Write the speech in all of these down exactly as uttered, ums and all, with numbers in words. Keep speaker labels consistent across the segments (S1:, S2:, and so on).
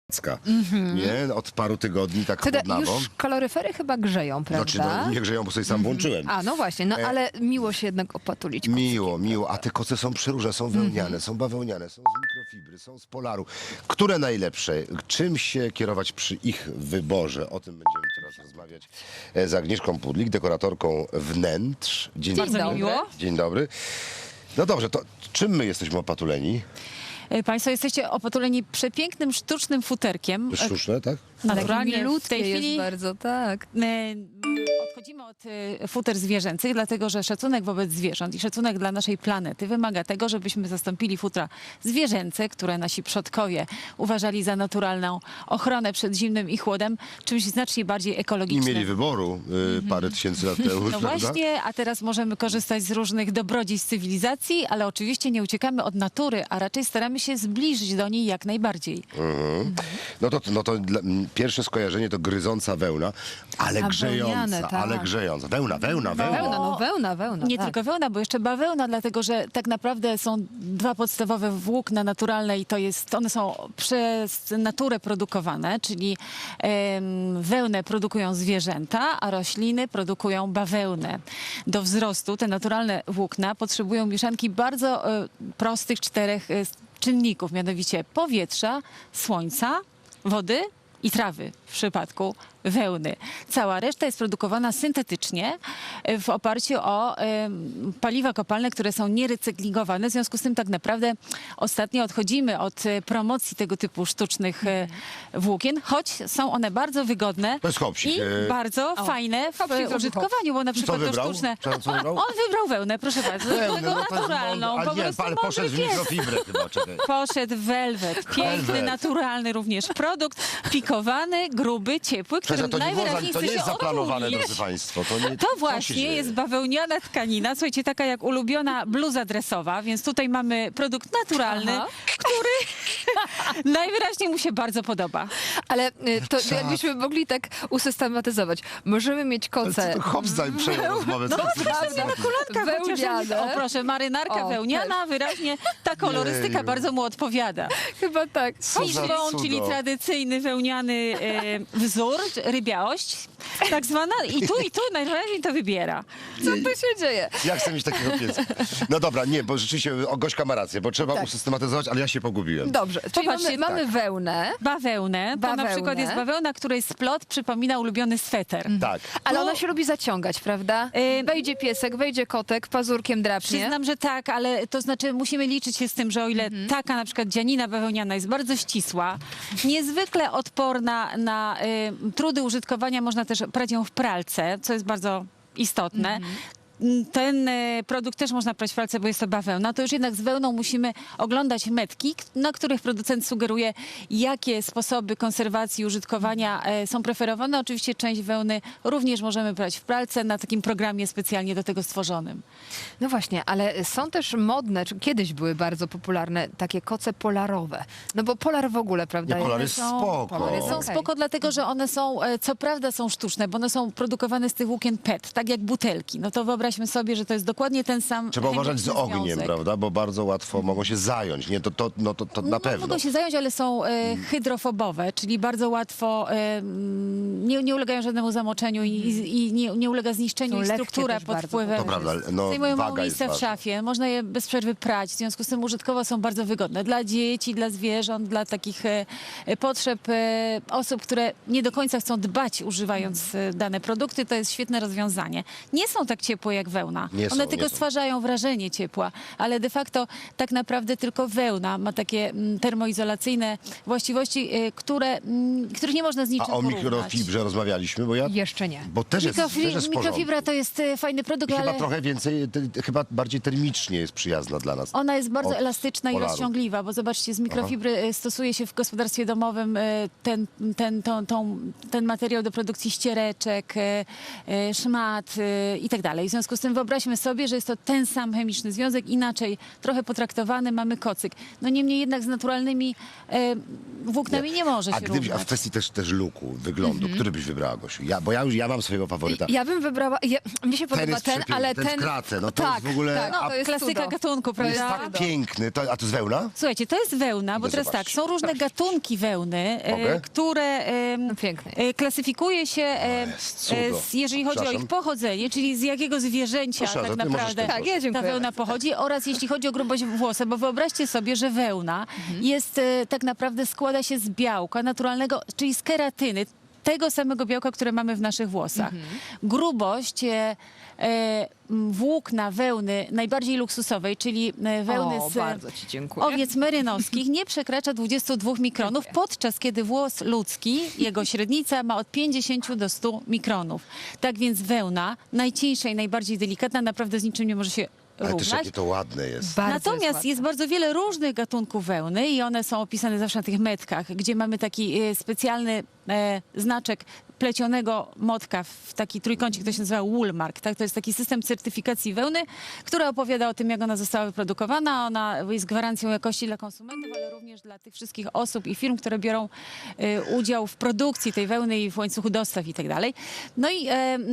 S1: Mm-hmm. Nie? Od paru tygodni tak
S2: Wtedy
S1: chłodnawo.
S2: już kaloryfery chyba grzeją, prawda?
S1: Znaczy, no, nie grzeją, bo sobie sam włączyłem.
S2: A, no właśnie, no
S1: E,
S2: ale miło się jednak opatulić.
S1: Miło, miło. A te koce są przeróżne, są wełniane,
S2: Mm-hmm.
S1: są bawełniane, są z mikrofibry, są z polaru. Które najlepsze? Czym się kierować przy ich wyborze? O tym będziemy teraz rozmawiać e, z Agnieszką Pudlik, dekoratorką wnętrz. Dzień,
S2: Bardzo
S1: dobry.
S2: miło.
S1: Dzień dobry. No dobrze, to czym my jesteśmy opatuleni?
S3: Państwo jesteście opatuleni przepięknym, sztucznym futerkiem.
S1: Sztuczne, tak?
S3: Naturalnie w
S2: Milutkie
S3: tej chwili
S2: jest bardzo, tak.
S3: e, odchodzimy od e, futer zwierzęcych, dlatego że szacunek wobec zwierząt i szacunek dla naszej planety wymaga tego, żebyśmy zastąpili futra zwierzęce, które nasi przodkowie uważali za naturalną ochronę przed zimnym i chłodem, czymś znacznie bardziej
S1: I
S3: ekologicznym.
S1: mieli wyboru y, parę tysięcy lat temu,
S3: No
S1: prawda?
S3: właśnie, a teraz możemy korzystać z różnych dobrodziejstw cywilizacji, ale oczywiście nie uciekamy od natury, a raczej staramy się zbliżyć do niej jak najbardziej.
S1: Mhm. No to, no to dla, m, pierwsze skojarzenie to gryząca wełna, ale
S2: A
S1: grzejąca,
S2: wełniane, tak.
S1: ale grzejąca. Wełna, wełna, wełna.
S2: Wełna, no wełna, wełna.
S3: Nie
S2: tak.
S3: tylko wełna, bo jeszcze bawełna, dlatego że tak naprawdę są dwa podstawowe włókna naturalne i to jest, one są przez naturę produkowane, czyli em, wełnę produkują zwierzęta, a rośliny produkują bawełnę. Do wzrostu te naturalne włókna potrzebują mieszanki bardzo e, prostych czterech e, czynników, mianowicie powietrza, słońca, wody i trawy w przypadku wełny. Cała reszta jest produkowana syntetycznie e, w oparciu o e, paliwa kopalne, które są nierecyklingowane. W związku z tym tak naprawdę ostatnio odchodzimy od e, promocji tego typu sztucznych e, włókien, choć są one bardzo wygodne
S1: To jest hopsik.
S3: i
S1: E,
S3: bardzo
S2: O,
S3: fajne w
S2: hopsik
S3: e,
S2: zrobił
S3: użytkowaniu, bo na
S1: Co
S3: przykład to
S1: wybrał?
S3: sztuczne...
S1: Co, co wybrał?
S3: On wybrał wełnę, proszę bardzo,
S1: Wełnę,
S3: no,
S1: no to jest
S3: naturalną,
S1: mądre.
S3: po
S1: Ale nie,
S3: prostu
S1: ale
S3: mądry
S1: poszedł w
S3: pies.
S1: mikrofibrę chyba, czekaj.
S3: Poszedł welwet. Piękny,
S1: Velvet.
S3: naturalny również produkt. Pikowany, gruby, ciepły, który
S1: Przecież to nie, było, za-
S3: najwyraźniej
S1: to nie
S3: chce
S1: jest
S3: się
S1: zaplanowane,
S3: otulić.
S1: drodzy Państwo. To, nie,
S3: To
S1: co się
S3: właśnie
S1: dzieje?
S3: jest bawełniana tkanina, słuchajcie, taka jak ulubiona bluza dresowa, więc tutaj mamy produkt naturalny,
S2: Aha.
S3: który najwyraźniej mu się bardzo podoba.
S2: Ale y, to
S1: Czas.
S2: jakbyśmy mogli tak usystematyzować. Możemy mieć koce
S1: Hops zaj- przejął rozmowę.
S3: No,
S1: Co ty
S2: prawda.
S1: chcesz?
S3: Kolanka chociaż,
S2: Wełniane.
S3: o proszę, marynarka
S2: O,
S3: wełniana, wyraźnie ta kolorystyka
S1: Jeju.
S3: bardzo mu odpowiada.
S2: Chyba tak.
S1: Co za
S3: Fishbone,
S1: cudo.
S3: czyli tradycyjny wełniany e, wzór, rybiałość, tak zwana. I tu, i tu najwyraźniej to wybiera.
S2: Co tu się dzieje?
S1: Ja chcę mieć takiego pieska. No dobra, nie, bo rzeczywiście o, Gośka ma rację, bo trzeba
S2: Tak.
S1: usystematyzować, ale ja się pogubiłem.
S2: Dobrze, czyli
S3: Popatrzcie,
S2: mamy, mamy wełnę,
S3: Bawełnę, to
S2: Bawełnę.
S3: na przykład jest bawełna, której splot przypomina ulubiony sweter.
S1: Tak.
S2: ale
S3: Tu-
S2: ona się lubi zaciągać, prawda?
S3: Ym,
S2: Wejdzie piesek, wejdzie kotek, pazurkiem drapnie.
S3: Przyznam, że tak, ale to znaczy musimy liczyć się z tym, że o ile
S2: Mhm.
S3: taka na przykład dzianina bawełniana jest bardzo ścisła, niezwykle odporna na y, trudy użytkowania, można też prać ją w pralce, co jest bardzo istotne.
S2: Mhm.
S3: Ten e, produkt też można prać w pralce, bo jest to bawełna. To już jednak z wełną musimy oglądać metki, k- na których producent sugeruje, jakie sposoby konserwacji i użytkowania e, są preferowane. Oczywiście część wełny również możemy prać w pralce na takim programie specjalnie do tego stworzonym.
S2: No właśnie, ale są też modne, czy kiedyś były bardzo popularne takie koce polarowe. No bo polar w ogóle, prawda?
S1: Nie, polar
S2: one
S1: jest
S2: są-
S1: spoko.
S2: polar jest
S3: Są
S2: okej.
S3: spoko, dlatego że one są, e, co prawda są sztuczne, bo one są produkowane z tych włókien P E T, tak jak butelki. No to wyobraźmy sobie, że to jest dokładnie ten sam
S1: Trzeba uważać z
S3: chemiczny
S1: ogniem,
S3: związek.
S1: prawda? Bo bardzo łatwo mogą się zająć. Nie, to, to, no, to, to na
S3: No,
S1: pewno.
S3: mogą się zająć, ale są e, hydrofobowe, czyli bardzo łatwo e, mm, nie, nie ulegają żadnemu zamoczeniu i, i, i nie, nie ulega zniszczeniu
S2: Są
S3: i
S2: lekkie
S3: struktura
S2: też
S3: pod
S2: bardzo.
S3: wpływem.
S1: To prawda, no
S3: Zajmują mało
S1: waga jest
S3: miejsca w
S1: ważna.
S3: szafie, można je bez przerwy prać, w związku z tym użytkowo są bardzo wygodne dla dzieci, dla zwierząt, dla takich e, e, potrzeb e, osób, które nie do końca chcą dbać używając e, dane produkty. To jest świetne rozwiązanie. Nie są tak ciepłe jak wełna.
S1: Nie są,
S3: One
S1: nie
S3: tylko
S1: są.
S3: stwarzają wrażenie ciepła, ale de facto tak naprawdę tylko wełna ma takie mm, termoizolacyjne właściwości, y, które, mm, których nie można z
S1: A
S3: niczym
S1: o
S3: porównać.
S1: mikrofibrze rozmawialiśmy, bo ja...
S2: Jeszcze nie.
S1: Bo też jest, też
S3: Mikrofi-
S1: jest w porządku.
S3: mikrofibra to jest y, fajny produkt,
S1: I chyba
S3: ale
S1: trochę więcej, te, chyba bardziej termicznie jest przyjazna dla nas.
S3: ona jest bardzo
S1: od
S3: elastyczna i
S1: polaru.
S3: rozciągliwa, bo zobaczcie, z mikrofibry y, stosuje się w gospodarstwie domowym y, ten, ten, tą, tą, ten materiał do produkcji ściereczek, y, y, szmat y, i tak dalej. W związku związku z tym wyobraźmy sobie, że jest to ten sam chemiczny związek, inaczej trochę potraktowany, mamy kocyk. No niemniej jednak z naturalnymi e, włóknami nie, może
S1: A
S3: się
S1: gdybyś, a w
S3: równać.
S1: kwestii też, też luku, wyglądu, który byś wybrała, Gosiu? Ja, bo ja już ja mam swojego faworyta.
S2: Ja bym wybrała, ja, mnie się
S1: Ten
S2: podoba
S1: jest
S2: ten,
S1: przepiękny,
S2: ale
S1: ten
S2: ten...
S1: w kratę, no to
S2: tak,
S1: jest w ogóle-
S2: tak,
S1: a
S2: to jest
S3: Klasyka
S2: cudo.
S3: gatunku,
S1: To jest
S3: prawda?
S1: tak piękny. To, a to jest wełna?
S3: Słuchajcie, to jest wełna, bo
S1: Idę
S3: teraz tak,
S1: zobaczyć.
S3: są różne gatunki wełny,
S1: Mogę?
S3: e, które e,
S2: No pięknie.
S3: e, klasyfikuje się, e,
S1: jest cudo.
S3: e, z, jeżeli chodzi o
S1: Przepraszam.
S3: ich pochodzenie, czyli z jakiego zwierzęcia
S1: Proszę,
S3: tak
S1: to ty możesz
S3: naprawdę
S1: ten
S2: Tak, ja dziękuję
S3: ta wełna
S2: bardzo.
S3: pochodzi oraz jeśli chodzi o grubość włosa, bo wyobraźcie sobie, że wełna jest e, tak naprawdę składa się z białka naturalnego, czyli z keratyny, tego samego białka, które mamy w naszych włosach. Grubość e, e, m, włókna wełny najbardziej luksusowej, czyli e, wełny
S2: O,
S3: z
S2: bardzo ci dziękuję.
S3: owiec merynowskich nie przekracza dwudziestu dwóch mikronów, podczas kiedy włos ludzki, jego średnica ma od pięćdziesięciu do stu mikronów. Tak więc wełna, najcieńsza i najbardziej delikatna, naprawdę z niczym nie może się
S1: Ale też
S3: równać.
S1: jakie to ładne jest.
S2: Bardzo
S3: Natomiast
S2: jest,
S3: jest, bardzo wiele różnych gatunków wełny i one są opisane zawsze na tych metkach, gdzie mamy taki e, specjalny e, znaczek plecionego motka w taki trójkącik, to się nazywa Woolmark. Tak? To jest taki system certyfikacji wełny, który opowiada o tym, jak ona została wyprodukowana. Ona jest gwarancją jakości dla konsumentów, ale również dla tych wszystkich osób i firm, które biorą e, udział w produkcji tej wełny i w łańcuchu dostaw i tak dalej. No i e,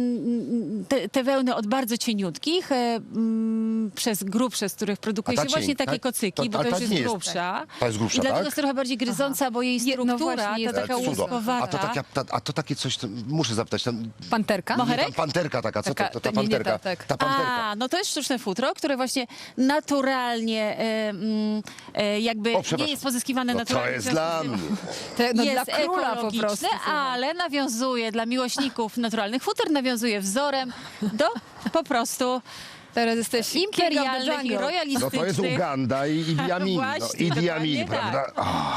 S3: mm, te, te wełny od bardzo cieniutkich, e, mm, przez grubsze, z których produkuje
S1: A ta
S3: się właśnie
S1: cień-
S3: takie
S1: ta-
S3: kocyki,
S1: to-
S3: bo
S1: ale
S3: to
S1: ta
S3: już
S1: nie
S3: jest
S1: jest-
S3: grubsza.
S1: ta jest grubsza,
S3: I dlatego
S1: tak?
S3: jest trochę bardziej gryząca, bo jej
S2: Je- no
S3: struktura,
S2: właśnie,
S3: ta
S2: jest
S3: taka
S2: tak
S1: Cudo.
S3: łuskowata.
S1: A to, taka, ta, a to takie coś, to, muszę zapytać, tam,
S2: Panterka?
S3: Moherek?
S1: nie, tam panterka taka, co
S2: Taka-
S1: to, to ta
S2: nie, nie,
S1: panterka?
S2: ta- tak.
S1: Ta panterka.
S3: A, no to jest sztuczne futro, które właśnie naturalnie e, mm, e, jakby
S1: O, przepraszam.
S3: nie jest pozyskiwane
S1: No
S3: naturalnie.
S1: to jest
S3: w związku
S1: dla
S3: z tym
S1: mnie.
S2: Te, no
S3: jest
S2: dla króla po
S3: ekologiczne,
S2: prostu.
S3: ale nawiązuje dla miłośników naturalnych futer, nawiązuje wzorem do po prostu
S2: Teraz jesteś king of the
S3: imperialnych i
S2: jungle.
S1: No
S3: royalistycznych.
S1: to jest Uganda i Idi Amin. No,
S3: Właśnie,
S1: Idi Amin,
S3: dokładnie
S1: prawda?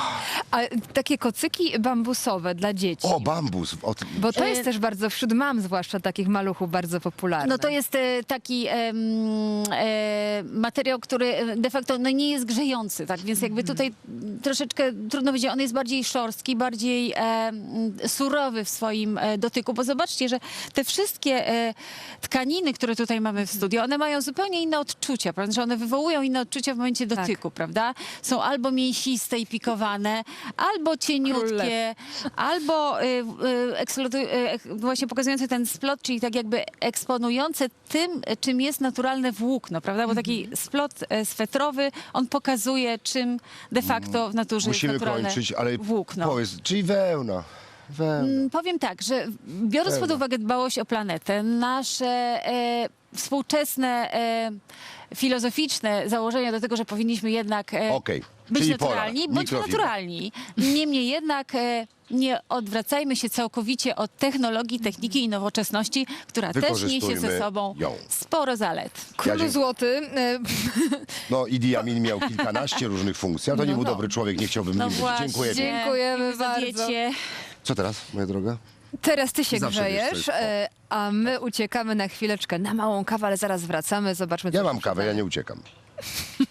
S2: A takie kocyki bambusowe dla dzieci.
S1: O, bambus. O, ty-
S2: Bo to
S3: E,
S2: jest też bardzo, wśród mam zwłaszcza takich maluchów, bardzo popularne.
S3: No to jest e, taki em, e, materiał, który e, de facto no, nie jest grzejący, tak? Więc jakby tutaj troszeczkę trudno powiedzieć, on jest bardziej szorstki, bardziej e, m, surowy w swoim e, dotyku, bo zobaczcie, że te wszystkie e, tkaniny, które tutaj mamy w studiu, one mają zupełnie inne odczucia, prawda? Że one wywołują inne odczucia w momencie
S2: Tak.
S3: dotyku, prawda? Są albo mięsiste i pikowane, albo cieniutkie, albo y, y, eksploatu- y, ek- właśnie pokazujące ten splot, czyli tak jakby eksponujące tym, czym jest naturalne włókno, prawda? Bo taki
S1: Mhm.
S3: splot e, swetrowy, on pokazuje, czym de facto w naturze
S1: Musimy
S3: jest naturalne
S1: kończyć, ale
S3: włókno.
S1: powiedz, czyli wełna. Wełna.
S3: Mm, Powiem tak, że biorąc pod
S1: Pełno.
S3: uwagę dbałość o planetę, nasze e, współczesne e, filozoficzne założenia do tego, że powinniśmy jednak e,
S1: Okej,
S3: być
S1: czyli
S3: naturalni,
S1: polar,
S3: bądźmy
S1: mikrofibra.
S3: naturalni. Niemniej jednak e, nie odwracajmy się całkowicie od technologii, techniki i nowoczesności, która też niesie ze
S1: Wykorzystujmy
S3: sobą
S1: ją.
S3: sporo zalet.
S2: Król
S1: dziękuję.
S2: Złoty. e,
S1: No, Idi Amin miał kilkanaście różnych funkcji, ale to nie
S3: No,
S1: był
S3: no.
S1: dobry człowiek, nie chciałbym
S3: No
S1: nim być.
S3: właśnie.
S1: Dziękuję. ci.
S2: Dziękujemy
S3: za
S2: bardzo.
S3: diecie.
S1: Co teraz, moja droga?
S2: Teraz ty się
S1: Zawsze wiesz, co
S2: grzejesz,
S1: jest.
S2: e, a my uciekamy na chwileczkę na małą kawę, ale zaraz wracamy. Zobaczmy, co
S1: Ja
S2: się
S1: mam kawę, ja
S2: przydaje.
S1: nie uciekam.